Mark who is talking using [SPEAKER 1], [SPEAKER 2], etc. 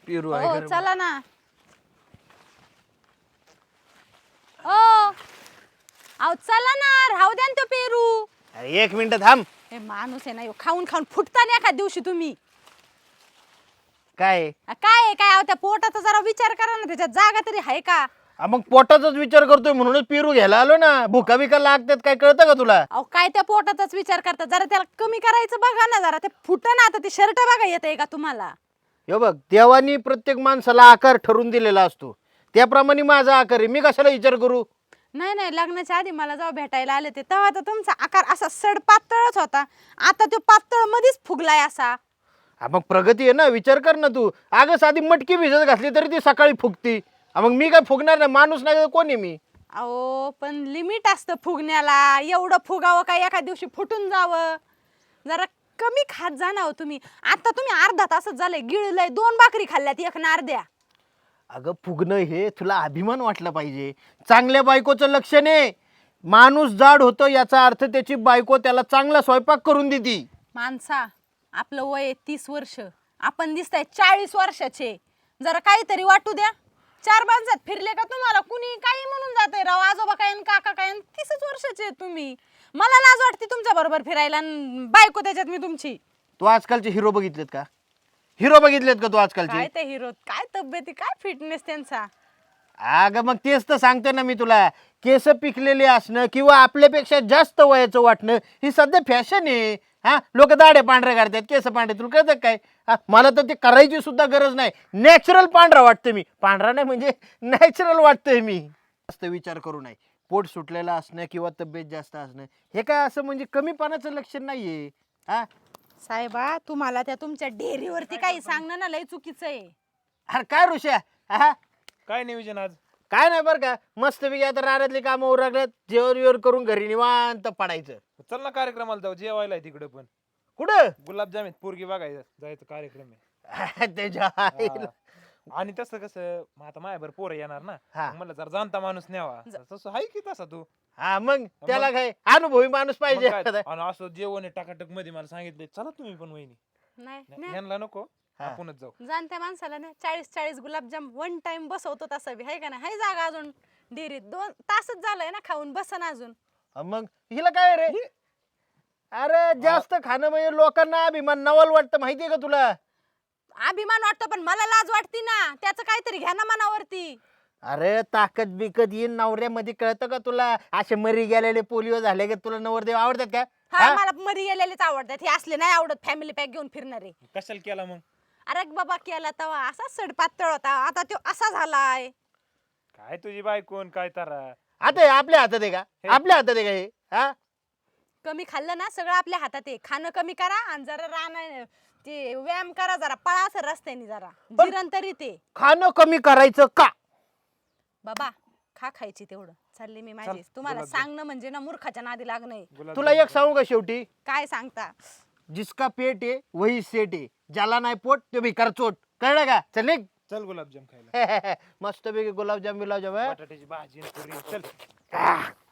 [SPEAKER 1] पेरू
[SPEAKER 2] हो
[SPEAKER 1] आहे
[SPEAKER 2] चला ना. ओ अहो चला ना, राहू द्या ना तो पेरू.
[SPEAKER 1] अरे 1 मिनिट थांब.
[SPEAKER 2] हे माणूस आहे ना ह्यो, खाऊन खाऊन फुटता ना एखाद दिवशी तुम्ही.
[SPEAKER 1] काय
[SPEAKER 2] काय आहे, काय अहो त्या पोटाचा जरा विचार करा ना, त्याच्यात जागा तरी आहे का?
[SPEAKER 1] मग पोटाचाच विचार करतोय म्हणूनच पेरू घ्यायला आलो ना. भुका बिका लागतात काय कळतं का तुला?
[SPEAKER 2] अहो काय त्या पोटाचाच विचार करता, जरा त्याला कमी करायचं बघा ना, जरा ते फुटं ना. आता ते शर्ट बघा येतंय का तुम्हाला?
[SPEAKER 1] हे बघ, देवानी प्रत्येक माणसाला आकार ठरवून दिलेला असतो, त्याप्रमाणे माझा आकार आहे. मी कशाला विचार करू?
[SPEAKER 2] नाही नाही, लग्नाच्या आधी मला जेव्हा भेटायला आले ते तेव्हा तर तुमचा आकार असा सड पातळच होता. आता तो पातळ मध्येच फुगलाय असा.
[SPEAKER 1] मग प्रगती आहे ना, विचार कर ना तू. अगं साधी मटकी भिजत घातली तरी ती सकाळी फुगती. मग मी काय फुगणार नाही? माणूस नाही तर कोण आहे मी?
[SPEAKER 2] अहो पण लिमिट असतं फुगण्याला. एवढं फुगावं काय एका दिवशी फुटून जावं? जरा कमी खात जा ना हो तुम्ही. आता तुम्ही अर्धा तासच झालंय गिळलंय, 2 भाकरी खाल्ल्यात, एक ना अर्ध्या.
[SPEAKER 1] अगं फुगणं हे तुला अभिमान वाटला पाहिजे. चांगल्या बायकोचं लक्षण आहे. माणूस जाड होतो याचा अर्थ त्याची बायको त्याला चांगला स्वयंपाक करून देती.
[SPEAKER 2] माणसा, आपलं वय आहे 30 वर्ष, आपण दिसताय 40 वर्षाचे. जरा काहीतरी वाटू द्या. 4 माणसात फिरले का तुम्हाला कुणी काही म्हणून जाते, राव आजोबा काय आणि काका काय. 30च वर्षाचे आहे तुम्ही. मला लाज वाटते तुमच्या बरोबर फिरायला आणि बायको त्याच्यात मी तुमची.
[SPEAKER 1] तू आजकालचे हिरो बघितलेत का? हिरो बघितलेत का तू
[SPEAKER 2] काय
[SPEAKER 1] आजकालचे?
[SPEAKER 2] ते हिरो, काय तब्येती, काय फिटनेस त्यांचा.
[SPEAKER 1] अगं मग तेच तर सांगतो ना मी तुला. केस पिकलेले असणं किंवा आपल्यापेक्षा जास्त वयाचं वाटणं ही सध्या फॅशन आहे. लोक दाढे पांढरे काढतात, केस पांढरे. तुला कळतं काय? मला तर ते करायची सुद्धा गरज नाही. नॅचरल पांढरा वाटतं मी. पांढरा नाही म्हणजे नॅचरल वाटतोय मी. जास्त विचार करू नये. पोट सुटलेलं असणं किंवा तब्येत जास्त असणं हे काय असं म्हणजे कमीपणाचं लक्षण नाहीये.
[SPEAKER 2] साहेबा, तुम्हाला त्या तुमच्या डेअरीवरती काही सांगणं ना लय चुकीचं आहे.
[SPEAKER 1] अरे काय ऋषा?
[SPEAKER 3] काय नियोजन आज?
[SPEAKER 1] काय नाही बरं का, मस्तपैकी आता रानातली कामं उरकल्यात, जेवण बिवण करून घरी निवांत पडायचं.
[SPEAKER 3] चल ना कार्यक्रमाला जाऊ, जेवायला आहे तिकडे पण.
[SPEAKER 1] कुठं?
[SPEAKER 3] गुलाबजाम आहेत, पोरगी बघायचं जायचं कार्यक्रम आहे.
[SPEAKER 1] त्याच्या आईला.
[SPEAKER 3] आणि तसं कसं मग आता माझ्यावर पोरं येणार ना,
[SPEAKER 1] हा.
[SPEAKER 3] मग म्हणलं जर जाणता माणूस न्यावा. तसं आहे की तसा तू.
[SPEAKER 1] मग त्याला काय अनुभवी माणूस
[SPEAKER 3] मग
[SPEAKER 1] पाहिजे.
[SPEAKER 3] काय? आणि असं जेवण आहे टाकाटक मध्ये मला सांगितलंय, चला तुम्ही पण वहिनी.
[SPEAKER 2] नाही
[SPEAKER 3] यांना नको, आपणच जाऊ.
[SPEAKER 2] जाणत्या माणसाला ना 40 गुलाबजाम वन टाइम बसवतो तसं बी आहे का नाही? हाय जागा अजून डेअरीत. 2 तासच झालंय ना खाऊन, बसन अजून.
[SPEAKER 1] मग हिला काय रे? अरे जास्त खाणं म्हणजे लोकांना अभिमान नवल वाटतं, माहितीये का तुला?
[SPEAKER 2] अभिमान वाटतो पण मला लाज वाटती ना. त्याचं काहीतरी घ्या ना मनावरती.
[SPEAKER 1] अरे ताकद बिकत येईन नवऱ्यामध्ये, कळतं का तुला? असे मरी गेलेले पोलिओ झाले का तुला नवरदेव आवडतात का?
[SPEAKER 2] हा, मला मरी गेलेलेच आवडतात. हे असले नाही आवडत फॅमिली पॅक घेऊन फिरणारे.
[SPEAKER 3] कशाला केला मग?
[SPEAKER 2] अरे बाबा, केला तवा असा सडपातळ होता, आता तो असा झालाय.
[SPEAKER 3] काय तुझी बायकोन काय तारा?
[SPEAKER 1] आता हे आपल्या हातात आहे का? आपल्या हातात आहे का हे?
[SPEAKER 2] कमी खाल्लं ना, सगळं आपल्या हातात आहे. खाणं कमी करा आणि जरा ते व्यायाम करा, जरा पळा असं रस्त्याने, जरा जिरण तरी ते.
[SPEAKER 1] खाणं कमी करायचं का?
[SPEAKER 2] बाबा खायची तेवढं. चालले मी माझी.
[SPEAKER 3] चल,
[SPEAKER 2] तुम्हाला
[SPEAKER 3] गुलाबजाम.
[SPEAKER 2] सांगणं म्हणजे ना मूर्खाच्या नादी लागणं.
[SPEAKER 1] तुला एक सांगू का शेवटी?
[SPEAKER 2] काय सांगता?
[SPEAKER 1] जिसका पेट आहे वही सेट आहे, ज्याला नाही पोट ते भिकार चोट. कळलं का? चल निघ.
[SPEAKER 3] चल गुलाबजाम खायला.
[SPEAKER 1] मस्तपैकी गुलाबजाम बिलाबजाम.
[SPEAKER 3] बटाट्याची भाजी आणि पुरी. चल.